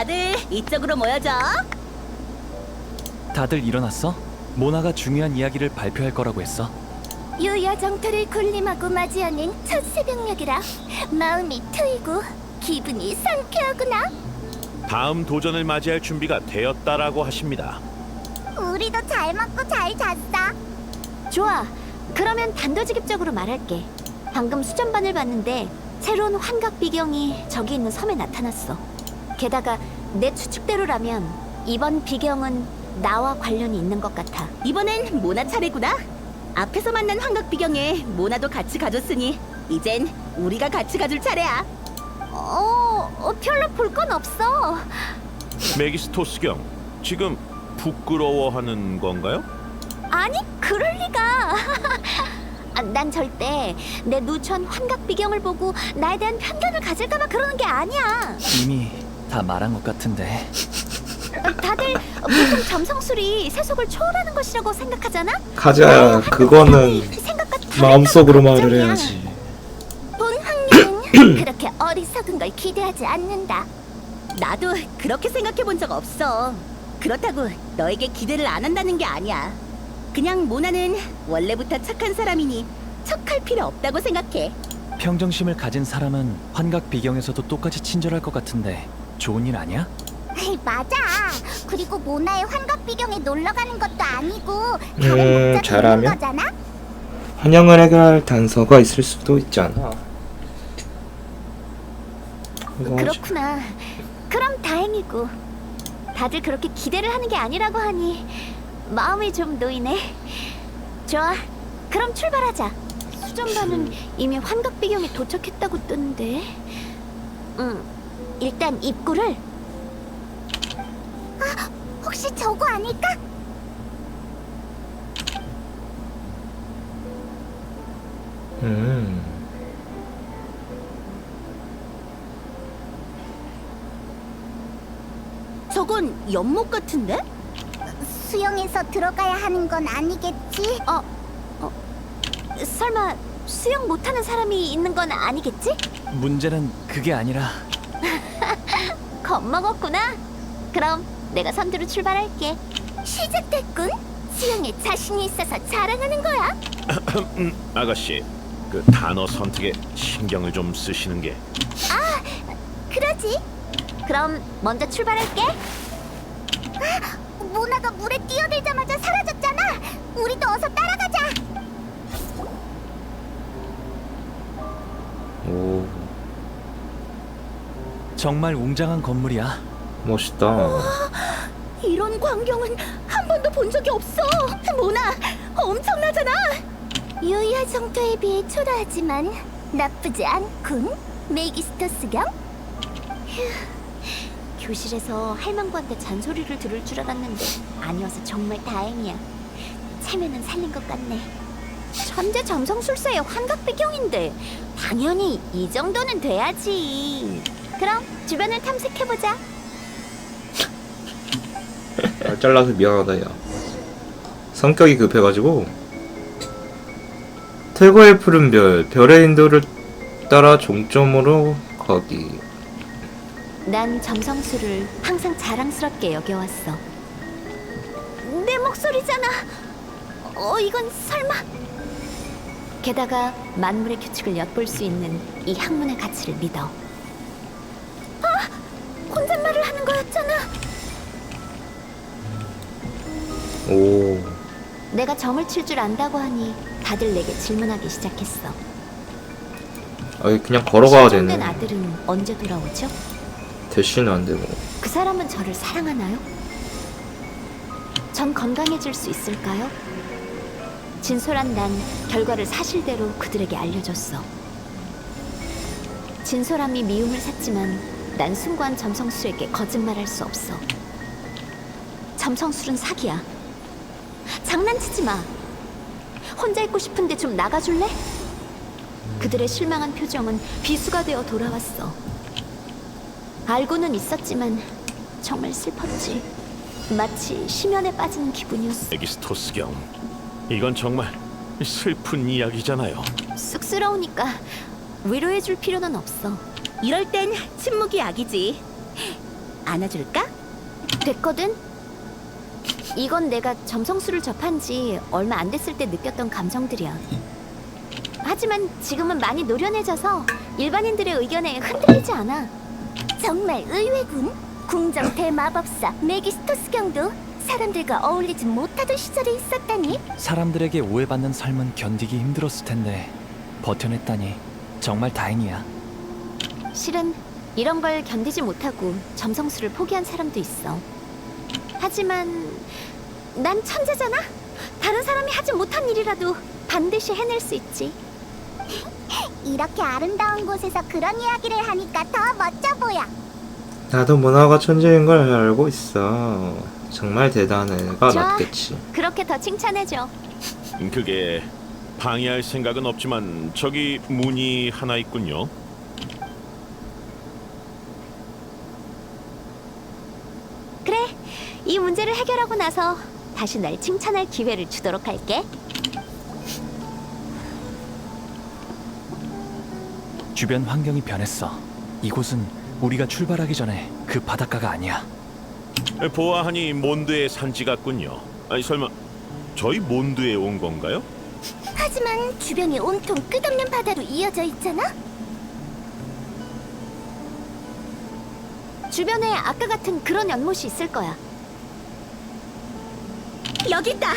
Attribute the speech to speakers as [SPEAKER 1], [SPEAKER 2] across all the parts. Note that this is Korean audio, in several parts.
[SPEAKER 1] 다들 이쪽으로 모여줘.
[SPEAKER 2] 다들 일어났어? 모나가 중요한 이야기를 발표할 거라고 했어.
[SPEAKER 3] 유야 정토를 군림하고 맞이하는 첫 새벽녘이라 마음이 트이고 기분이 상쾌하구나.
[SPEAKER 4] 다음 도전을 맞이할 준비가 되었다라고 하십니다.
[SPEAKER 3] 우리도 잘 먹고 잘 잤어. 좋아. 그러면 단도직입적으로 말할게. 방금 수전반을 봤는데 새로운 환각 비경이 저기 있는 섬에 나타났어. 게다가 내 추측대로라면 이번 비경은 나와 관련이 있는 것 같아.
[SPEAKER 1] 이번엔 모나 차례구나. 앞에서 만난 환각 비경에 모나도 같이 가줬으니 이젠 우리가 같이 가줄 차례야.
[SPEAKER 3] 별로 볼 건 없어.
[SPEAKER 4] 메기스토스경, 지금 부끄러워하는 건가요?
[SPEAKER 3] 아니, 그럴 리가. 난 절대 내 누추한 환각 비경을 보고 나에 대한 편견을 가질까봐 그러는 게 아니야.
[SPEAKER 2] 이미 다 말한 것 같은데.
[SPEAKER 3] 다들 보통 점성술이 세속을 초월하는 것이라고 생각하잖아?
[SPEAKER 5] 가자. 그거는
[SPEAKER 3] 생각과
[SPEAKER 5] 마음속으로 말을
[SPEAKER 3] 걱정이야.
[SPEAKER 5] 해야지.
[SPEAKER 3] 본 확률은 그렇게 어리석은 걸 기대하지 않는다.
[SPEAKER 1] 나도 그렇게 생각해 본 적 없어. 그렇다고 너에게 기대를 안 한다는 게 아니야. 그냥 모나는 원래부터 착한 사람이니 척할 필요 없다고 생각해.
[SPEAKER 2] 평정심을 가진 사람은 환각 비경에서도 똑같이 친절할 것 같은데 좋은 일 아니야?
[SPEAKER 3] 맞아. 그리고 모나의 환각 비경에 놀러 가는 것도 아니고 다른 목적이 있는
[SPEAKER 5] 잘하면?
[SPEAKER 3] 거잖아.
[SPEAKER 5] 환영을 해결할 단서가 있을 수도 있잖아. 이거
[SPEAKER 3] 그렇구나. 그럼 다행이고. 다들 그렇게 기대를 하는 게 아니라고 하니 마음이 좀 놓이네. 좋아. 그럼 출발하자. 수전반은 이미 환각 비경에 도착했다고 뜨는데. 일단 입구를. 혹시 저거 아닐까?
[SPEAKER 5] 음.
[SPEAKER 1] 저건 연못 같은데?
[SPEAKER 3] 수영해서 들어가야 하는 건 아니겠지? 설마 수영 못하는 사람이 있는 건 아니겠지?
[SPEAKER 2] 문제는 그게 아니라
[SPEAKER 3] 겁먹었구나. 그럼 내가 선두로 출발할게. 시작됐군. 수영에 자신이 있어서 자랑하는 거야.
[SPEAKER 4] 아가씨, 그 단어 선택에 신경을 좀 쓰시는 게.
[SPEAKER 3] 그러지. 그럼 먼저 출발할게. 모나가 물에 뛰어들자마자 사라졌잖아. 우리도 어서 따라가자.
[SPEAKER 5] 오,
[SPEAKER 2] 정말 웅장한 건물이야.
[SPEAKER 5] 멋있다.
[SPEAKER 1] 이런 광경은 한 번도 본 적이 없어. 모나, 엄청나잖아.
[SPEAKER 3] 유야 정도에 비해 초라하지만 나쁘지 않군. 메기스토스경. 교실에서 할망구한테 잔소리를 들을 줄 알았는데 아니어서 정말 다행이야. 체면은 살린 것 같네. 천재 점성술사의 환각 배경인데 당연히 이 정도는 돼야지. 그럼 주변을 탐색해보자.
[SPEAKER 5] 말 잘라서 미안하다 야. 성격이 급해가지고. 태고의 푸른 별, 별의 인도를 따라 종점으로 가기.
[SPEAKER 3] 난 점성술을 항상 자랑스럽게 여겨왔어. 내 목소리잖아. 이건 설마. 게다가 만물의 규칙을 엿볼 수 있는 이 학문의 가치를 믿어. 혼잣말을 하는 거였잖아.
[SPEAKER 5] 오,
[SPEAKER 3] 내가 점을 칠 줄 안다고 하니 다들 내게 질문하기 시작했어.
[SPEAKER 5] 그냥 걸어가야
[SPEAKER 3] 실종된
[SPEAKER 5] 되네.
[SPEAKER 3] 아들은 언제 돌아오죠?
[SPEAKER 5] 대시는 안 되고.
[SPEAKER 3] 그 사람은 저를 사랑하나요? 전 건강해질 수 있을까요? 진솔한 난 결과를 사실대로 그들에게 알려줬어. 진솔함이 미움을 샀지만 난 숭고한 점성술에게 거짓말할 수 없어. 점성술은 사기야. 장난치지 마. 혼자 있고 싶은데 좀 나가줄래? 그들의 실망한 표정은 비수가 되어 돌아왔어. 알고는 있었지만 정말 슬펐지. 마치 심연에 빠지는 기분이었어.
[SPEAKER 4] 메기스토스경, 이건 정말 슬픈 이야기잖아요.
[SPEAKER 3] 쑥스러우니까 위로해줄 필요는 없어.
[SPEAKER 1] 이럴 땐 침묵이 약이지. 안아줄까?
[SPEAKER 3] 됐거든? 이건 내가 점성술을 접한 지 얼마 안 됐을 때 느꼈던 감정들이야. 하지만 지금은 많이 노련해져서 일반인들의 의견에 흔들리지 않아.
[SPEAKER 6] 정말 의외군. 궁정 대마법사 메기스토스 경도 사람들과 어울리지 못하던 시절이 있었다니.
[SPEAKER 2] 사람들에게 오해받는 삶은 견디기 힘들었을 텐데 버텨냈다니 정말 다행이야.
[SPEAKER 3] 실은 이런 걸 견디지 못하고 점성술을 포기한 사람도 있어. 하지만 난 천재잖아. 다른 사람이 하지 못한 일이라도 반드시 해낼 수 있지.
[SPEAKER 6] 이렇게 아름다운 곳에서 그런 이야기를 하니까 더 멋져 보여.
[SPEAKER 5] 나도 문화가 천재인 걸 알고 있어. 정말 대단한 애가
[SPEAKER 3] 좋아.
[SPEAKER 5] 맞겠지.
[SPEAKER 3] 그렇게 더 칭찬해줘.
[SPEAKER 4] 그게 방해할 생각은 없지만 저기 문이 하나 있군요.
[SPEAKER 3] 그래, 이 문제를 해결하고 나서 다시 날 칭찬할 기회를 주도록 할게.
[SPEAKER 2] 주변 환경이 변했어. 이곳은 우리가 출발하기 전에 그 바닷가가 아니야.
[SPEAKER 4] 보아하니 몬드의 산지 같군요. 아니 설마 저희 몬드에 온 건가요?
[SPEAKER 6] 하지만 주변이 온통 끝없는 바다로 이어져 있잖아.
[SPEAKER 3] 주변에 아까 같은 그런 연못이 있을 거야.
[SPEAKER 1] 여기 있다.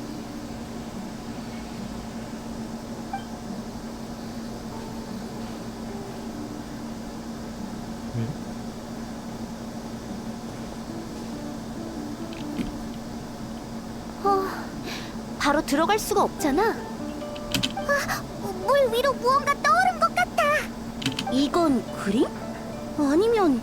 [SPEAKER 3] 바로 들어갈 수가 없잖아.
[SPEAKER 6] 물 위로 무언가 떠오른 것 같아.
[SPEAKER 1] 이건 그림? 아니면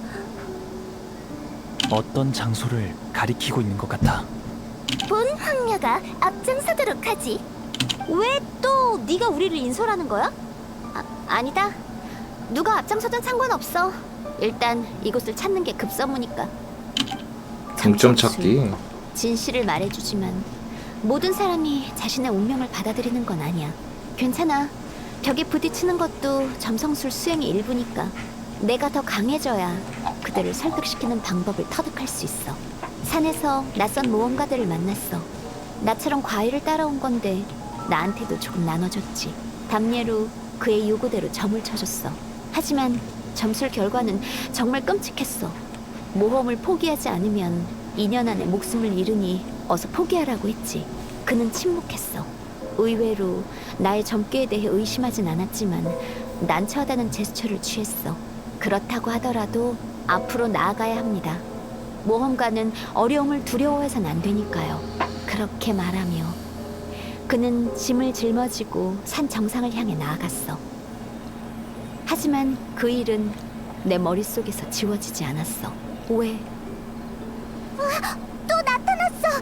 [SPEAKER 2] 어떤 장소를 가리키고 있는 것 같아.
[SPEAKER 6] 본 황녀가 앞장서도록 하지.
[SPEAKER 3] 왜 또 네가 우리를 인솔하는 거야? 아니다. 누가 앞장서든 상관없어. 일단 이곳을 찾는 게 급선무니까.
[SPEAKER 5] 중점 찾기.
[SPEAKER 3] 진실을 말해주지만 모든 사람이 자신의 운명을 받아들이는 건 아니야. 괜찮아. 벽에 부딪히는 것도 점성술 수행의 일부니까. 내가 더 강해져야 그들을 설득시키는 방법을 터득할 수 있어. 산에서 낯선 모험가들을 만났어. 나처럼 과일을 따라온 건데 나한테도 조금 나눠줬지. 담례로 그의 요구대로 점을 쳐줬어. 하지만 점술 결과는 정말 끔찍했어. 모험을 포기하지 않으면 2년 안에 목숨을 잃으니 어서 포기하라고 했지. 그는 침묵했어. 의외로 나의 점괘에 대해 의심하진 않았지만 난처하다는 제스처를 취했어. 그렇다고 하더라도 앞으로 나아가야 합니다. 모험가는 어려움을 두려워해선 안 되니까요. 그렇게 말하며 그는 짐을 짊어지고 산 정상을 향해 나아갔어. 하지만 그 일은 내 머릿속에서 지워지지 않았어. 왜?
[SPEAKER 6] 또 나타났어.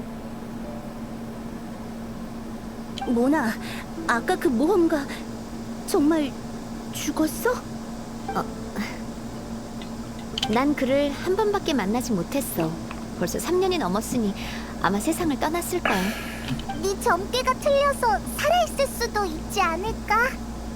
[SPEAKER 1] 모나, 아까 그 모험가 정말 죽었어?
[SPEAKER 3] 난 그를 한 번밖에 만나지 못했어. 벌써 3년이 넘었으니 아마 세상을 떠났을 거야.
[SPEAKER 6] 네 점괘가 틀려서 살아있을 수도 있지 않을까?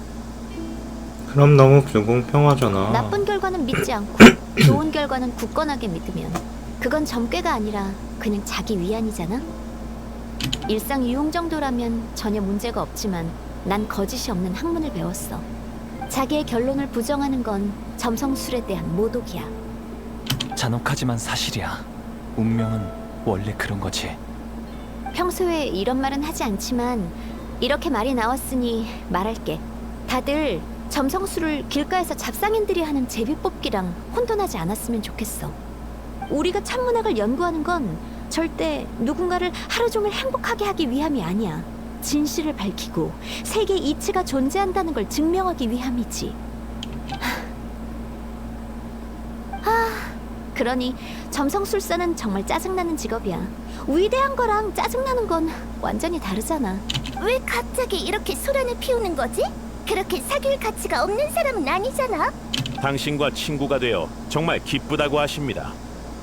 [SPEAKER 5] 그럼 너무 불공평하잖아.
[SPEAKER 3] 나쁜 결과는 믿지 않고 좋은 결과는 굳건하게 믿으면 그건 점괘가 아니라 그냥 자기 위안이잖아. 일상 유용 정도라면 전혀 문제가 없지만 난 거짓이 없는 학문을 배웠어. 자기의 결론을 부정하는 건 점성술에 대한 모독이야.
[SPEAKER 2] 잔혹하지만 사실이야. 운명은 원래 그런 거지.
[SPEAKER 3] 평소에 이런 말은 하지 않지만 이렇게 말이 나왔으니 말할게. 다들 점성술을 길가에서 잡상인들이 하는 제비뽑기랑 혼돈하지 않았으면 좋겠어. 우리가 천문학을 연구하는 건 절대 누군가를 하루 종일 행복하게 하기 위함이 아니야. 진실을 밝히고 세계에 이치가 존재한다는 걸 증명하기 위함이지. 그러니 점성술사는 정말 짜증나는 직업이야. 위대한 거랑 짜증나는 건 완전히 다르잖아.
[SPEAKER 6] 왜 갑자기 이렇게 소란을 피우는 거지? 그렇게 사귈 가치가 없는 사람은 아니잖아.
[SPEAKER 4] 당신과 친구가 되어 정말 기쁘다고 하십니다.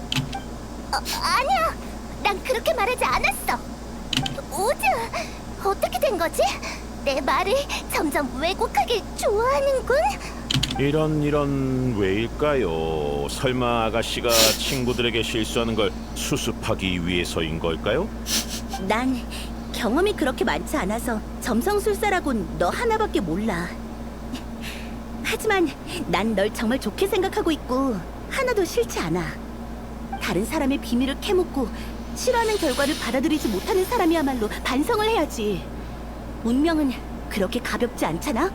[SPEAKER 6] 아니야. 난 그렇게 말하지 않았어. 오즈, 어떻게 된 거지? 내 말을 점점 왜곡하게 좋아하는군.
[SPEAKER 4] 이런 왜일까요? 설마 아가씨가 친구들에게 실수하는 걸 수습하기 위해서인 걸까요?
[SPEAKER 1] 난 경험이 그렇게 많지 않아서 점성술사라곤 너 하나밖에 몰라. 하지만 난 널 정말 좋게 생각하고 있고 하나도 싫지 않아. 다른 사람의 비밀을 캐묻고 싫어하는 결과를 받아들이지 못하는 사람이야말로 반성을 해야지. 운명은 그렇게 가볍지 않잖아?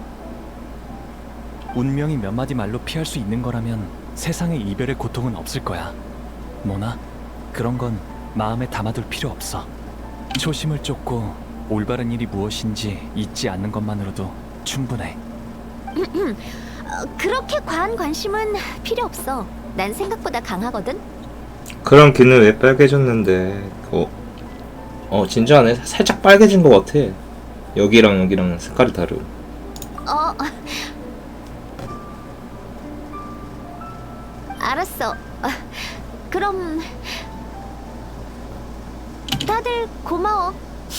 [SPEAKER 2] 운명이 몇 마디 말로 피할 수 있는 거라면 세상에 이별의 고통은 없을 거야. 모나, 그런 건 마음에 담아둘 필요 없어. 초심을 쫓고 올바른 일이 무엇인지 잊지 않는 것만으로도 충분해.
[SPEAKER 3] 그렇게 과한 관심은 필요 없어. 난 생각보다 강하거든.
[SPEAKER 5] 그럼 귀는 왜 빨개졌는데? 진짜네. 살짝 빨개진 것 같아. 여기랑 색깔이 다르.
[SPEAKER 3] 알았어. 그럼 다들 고마워.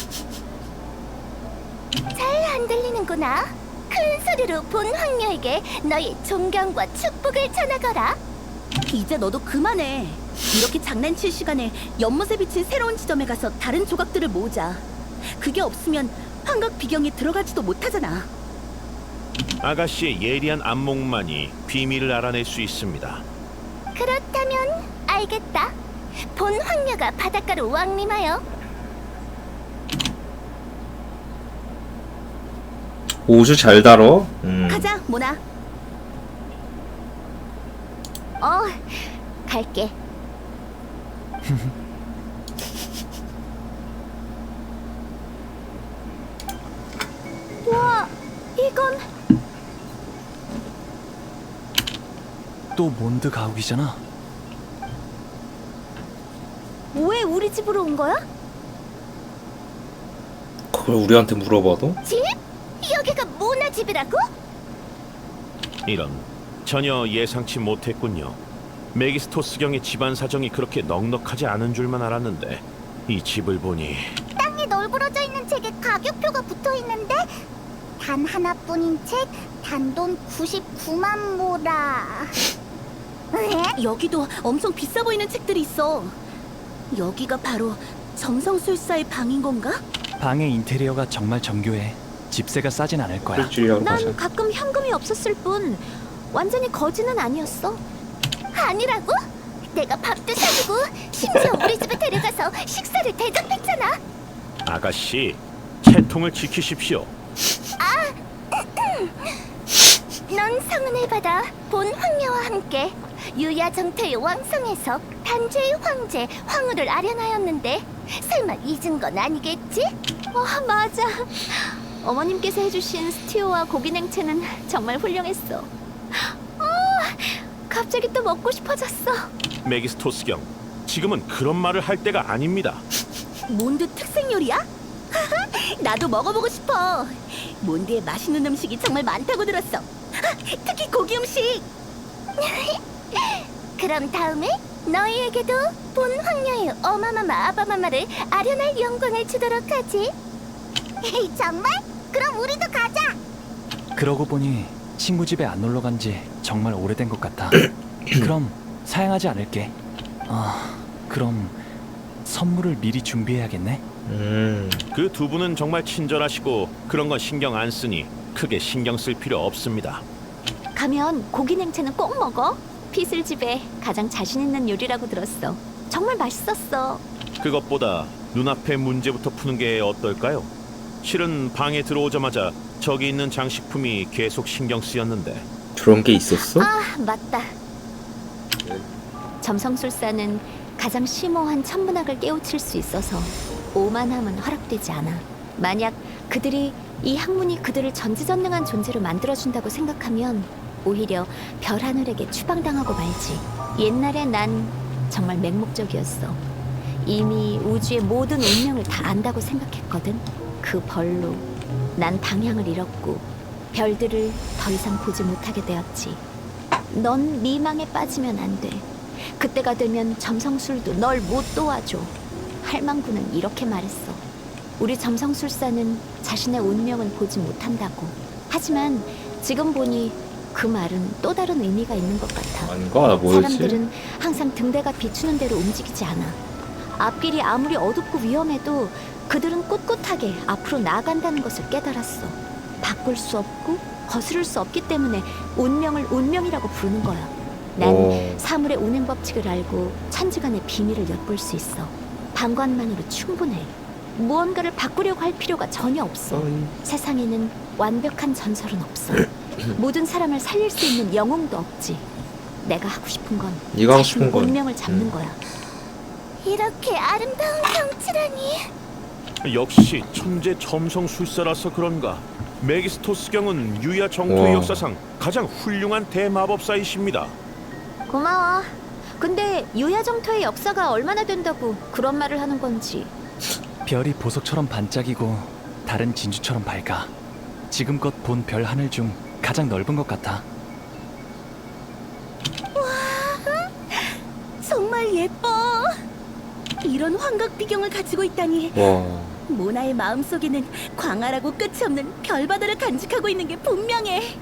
[SPEAKER 6] 잘 안 들리는구나. 큰 소리로 본 황녀에게 너의 존경과 축복을 전하거라.
[SPEAKER 1] 이제 너도 그만해. 이렇게 장난칠 시간에 연못에 비친 새로운 지점에 가서 다른 조각들을 모으자. 그게 없으면 환각 비경에 들어가지도 못하잖아.
[SPEAKER 4] 아가씨의 예리한 안목만이 비밀을 알아낼 수 있습니다.
[SPEAKER 6] 그렇다면 알겠다. 본 황녀가 바닷가로 왕림하여
[SPEAKER 5] 우주 잘 다뤄.
[SPEAKER 1] 가자, 모나.
[SPEAKER 3] 갈게.
[SPEAKER 6] 와, 이건
[SPEAKER 2] 또 몬드 가옥이잖아.
[SPEAKER 3] 왜 우리 집으로 온 거야?
[SPEAKER 5] 그걸 우리한테 물어봐도?
[SPEAKER 6] 집? 여기가 모나 집이라고?
[SPEAKER 4] 이런, 전혀 예상치 못했군요. 메기스토스경의 집안 사정이 그렇게 넉넉하지 않은 줄만 알았는데 이 집을 보니
[SPEAKER 6] 땅에 널브러져 있는 책에 가격표가 붙어 있는데 단 하나뿐인 책 단돈 99만 모라.
[SPEAKER 1] 여기도 엄청 비싸 보이는 책들이 있어. 여기가 바로 점성술사의 방인 건가?
[SPEAKER 2] 방의 인테리어가 정말 정교해. 집세가 싸진 않을 거야.
[SPEAKER 5] 일주일하고 가자.
[SPEAKER 3] 난 가끔 현금이 없었을 뿐 완전히 거지는 아니었어.
[SPEAKER 6] 아니라고? 내가 밥도 사주고 심지어 우리 집에 데려가서 식사를 대접했잖아.
[SPEAKER 4] 아가씨, 채통을 지키십시오.
[SPEAKER 6] 넌 성은을 받아 본 황녀와 함께 유야정태의 왕성에서 단죄의 황제 황후를 아련하였는데 설마 잊은 건 아니겠지?
[SPEAKER 3] 맞아. 어머님께서 해주신 스튜와 고기 냉채는 정말 훌륭했어. 갑자기 또 먹고 싶어졌어.
[SPEAKER 4] 메기스토스경, 지금은 그런 말을 할 때가 아닙니다.
[SPEAKER 1] 몬드 특색 요리야? 나도 먹어보고 싶어. 몬드에 맛있는 음식이 정말 많다고 들었어. 특히 고기 음식.
[SPEAKER 6] 그럼 다음에 너희에게도 본 황녀의 어마마마 아바마마를 아련할 영광을 주도록 하지. 정말? 그럼 우리도 가자.
[SPEAKER 2] 그러고 보니 친구 집에 안 놀러 간 지 정말 오래된 것 같아. 그럼 사양하지 않을게. 그럼 선물을 미리 준비해야겠네.
[SPEAKER 4] 그 두 분은 정말 친절하시고 그런 건 신경 안 쓰니 크게 신경 쓸 필요 없습니다.
[SPEAKER 3] 가면 고기 냉채는 꼭 먹어. 피슬 집에 가장 자신 있는 요리라고 들었어. 정말 맛있었어.
[SPEAKER 4] 그것보다 눈앞의 문제부터 푸는 게 어떨까요? 실은 방에 들어오자마자 저기 있는 장식품이 계속 신경 쓰였는데
[SPEAKER 5] 그런 게 있었어?
[SPEAKER 3] 맞다. 점성술사는 가장 심오한 천문학을 깨우칠 수 있어서 오만함은 허락되지 않아. 만약 그들이 이 학문이 그들을 전지전능한 존재로 만들어준다고 생각하면 오히려 별 하늘에게 추방당하고 말지. 옛날에 난 정말 맹목적이었어. 이미 우주의 모든 운명을 다 안다고 생각했거든. 그 벌로 난 방향을 잃었고 별들을 더 이상 보지 못하게 되었지. 넌 미망에 빠지면 안 돼. 그때가 되면 점성술도 널 못 도와줘. 할망구는 이렇게 말했어. 우리 점성술사는 자신의 운명은 보지 못한다고. 하지만 지금 보니 그 말은 또 다른 의미가 있는 것 같아.
[SPEAKER 5] 아닌가? 뭐였지?
[SPEAKER 3] 사람들은 항상 등대가 비추는 대로 움직이지 않아. 앞길이 아무리 어둡고 위험해도 그들은 꿋꿋하게 앞으로 나아간다는 것을 깨달았어. 바꿀 수 없고 거스를 수 없기 때문에 운명을 운명이라고 부르는 거야. 난
[SPEAKER 5] 오.
[SPEAKER 3] 사물의 운행 법칙을 알고 천지간의 비밀을 엿볼 수 있어. 방관만으로 충분해. 무언가를 바꾸려고 할 필요가 전혀 없어. 세상에는 완벽한 전설은 없어. 모든 사람을 살릴 수 있는 영웅도 없지. 내가 하고 싶은 건
[SPEAKER 5] 네가 하고
[SPEAKER 3] 자신의
[SPEAKER 5] 싶은 건
[SPEAKER 3] 운명을 잡는 거야.
[SPEAKER 6] 이렇게 아름다운 성취라니.
[SPEAKER 4] 역시 천재 점성술사라서 그런가 메기스토스경은 유야 정토의
[SPEAKER 5] 와.
[SPEAKER 4] 역사상 가장 훌륭한 대마법사이십니다.
[SPEAKER 3] 고마워. 근데 유야정토의 역사가 얼마나 된다고 그런 말을 하는 건지.
[SPEAKER 2] 별이 보석처럼 반짝이고 다른 진주처럼 밝아. 지금껏 본 별 하늘 중 가장 넓은 것 같아.
[SPEAKER 1] 정말 예뻐. 이런 환각 비경을 가지고 있다니.
[SPEAKER 5] 와.
[SPEAKER 1] 모나의 마음속에는 광활하고 끝이 없는 별바다를 간직하고 있는 게 분명해.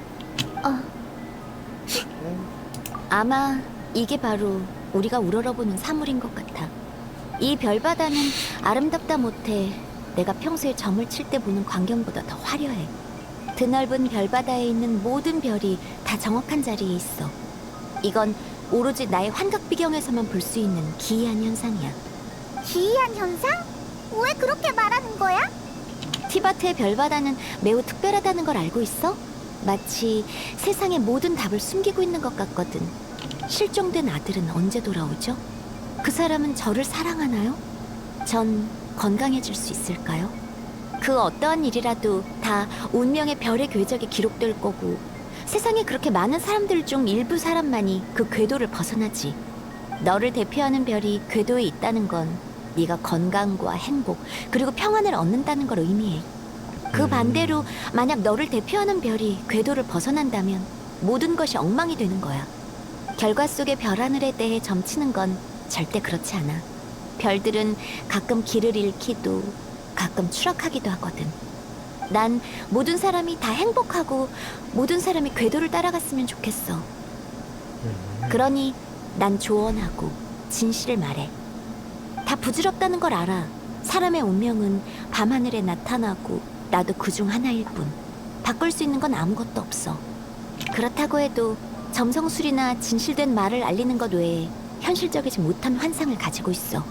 [SPEAKER 3] 아마 이게 바로 우리가 우러러보는 사물인 것 같아. 이 별바다는 아름답다 못해 내가 평소에 점을 칠 때 보는 광경보다 더 화려해. 드넓은 별바다에 있는 모든 별이 다 정확한 자리에 있어. 이건 오로지 나의 환각 비경에서만 볼 수 있는 기이한 현상이야.
[SPEAKER 6] 기이한 현상? 왜 그렇게 말하는 거야?
[SPEAKER 3] 티바트의 별바다는 매우 특별하다는 걸 알고 있어? 마치 세상의 모든 답을 숨기고 있는 것 같거든. 실종된 아들은 언제 돌아오죠? 그 사람은 저를 사랑하나요? 전 건강해질 수 있을까요? 그 어떠한 일이라도 다 운명의 별의 궤적에 기록될 거고, 세상에 그렇게 많은 사람들 중 일부 사람만이 그 궤도를 벗어나지. 너를 대표하는 별이 궤도에 있다는 건 네가 건강과 행복 그리고 평안을 얻는다는 걸 의미해. 그 반대로 만약 너를 대표하는 별이 궤도를 벗어난다면 모든 것이 엉망이 되는 거야. 결과 속의 별 하늘에 대해 점치는 건 절대 그렇지 않아. 별들은 가끔 길을 잃기도 가끔 추락하기도 하거든. 난 모든 사람이 다 행복하고 모든 사람이 궤도를 따라갔으면 좋겠어. 그러니 난 조언하고 진실을 말해. 다 부질없다는 걸 알아. 사람의 운명은 밤하늘에 나타나고 나도 그중 하나일 뿐. 바꿀 수 있는 건 아무것도 없어. 그렇다고 해도 점성술이나 진실된 말을 알리는 것 외에 현실적이지 못한 환상을 가지고 있어.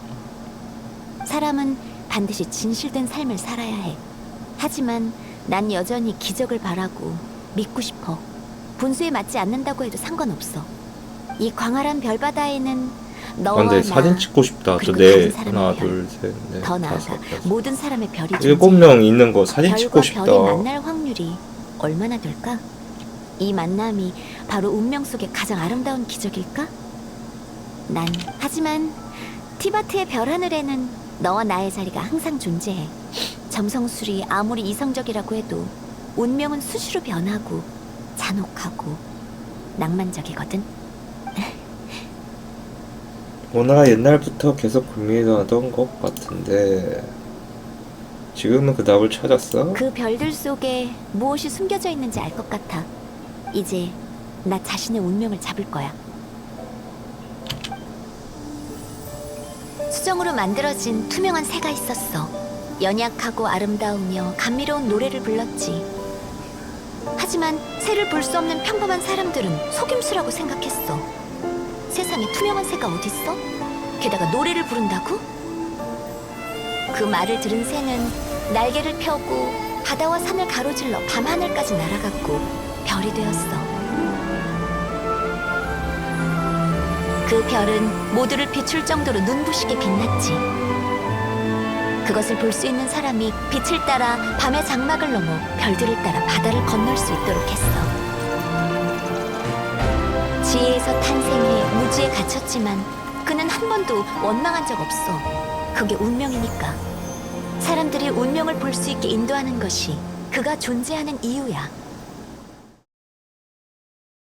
[SPEAKER 3] 사람은 반드시 진실된 삶을 살아야 해. 하지만 난 여전히 기적을 바라고 믿고 싶어. 분수에 맞지 않는다고 해도 상관없어. 이 광활한 별바다에는 너와
[SPEAKER 5] 근데
[SPEAKER 3] 나,
[SPEAKER 5] 사진 찍고 싶다. 저
[SPEAKER 3] 그리고
[SPEAKER 5] 네
[SPEAKER 3] 다른 사람의
[SPEAKER 5] 하나
[SPEAKER 3] 별,
[SPEAKER 5] 둘 셋 넷
[SPEAKER 3] 더 나아가
[SPEAKER 5] 다섯 여섯
[SPEAKER 3] 모든 사람의 별이
[SPEAKER 5] 7명 있는 거 사진
[SPEAKER 3] 별과
[SPEAKER 5] 찍고 싶다.
[SPEAKER 3] 별이 만날 확률이 얼마나 될까? 이 만남이 바로 운명 속의 가장 아름다운 기적일까? 하지만 티바트의 별 하늘에는 너와 나의 자리가 항상 존재해. 점성술이 아무리 이성적이라고 해도 운명은 수시로 변하고 잔혹하고 낭만적이거든.
[SPEAKER 5] 모나가 옛날부터 계속 고민하던 것 같은데 지금은 그 답을 찾았어?
[SPEAKER 3] 그 별들 속에 무엇이 숨겨져 있는지 알 것 같아. 이제 나 자신의 운명을 잡을 거야. 수정으로 만들어진 투명한 새가 있었어. 연약하고 아름다우며 감미로운 노래를 불렀지. 하지만 새를 볼 수 없는 평범한 사람들은 속임수라고 생각했어. 세상에 투명한 새가 어딨어? 게다가 노래를 부른다고? 그 말을 들은 새는 날개를 펴고 바다와 산을 가로질러 밤하늘까지 날아갔고 별이 되었어. 그 별은 모두를 비출 정도로 눈부시게 빛났지. 그것을 볼 수 있는 사람이 빛을 따라 밤의 장막을 넘어 별들을 따라 바다를 건널 수 있도록 했어. 지혜에서 탄생해 무지에 갇혔지만 그는 한 번도 원망한 적 없어. 그게 운명이니까. 사람들이 운명을 볼 수 있게 인도하는 것이 그가 존재하는 이유야.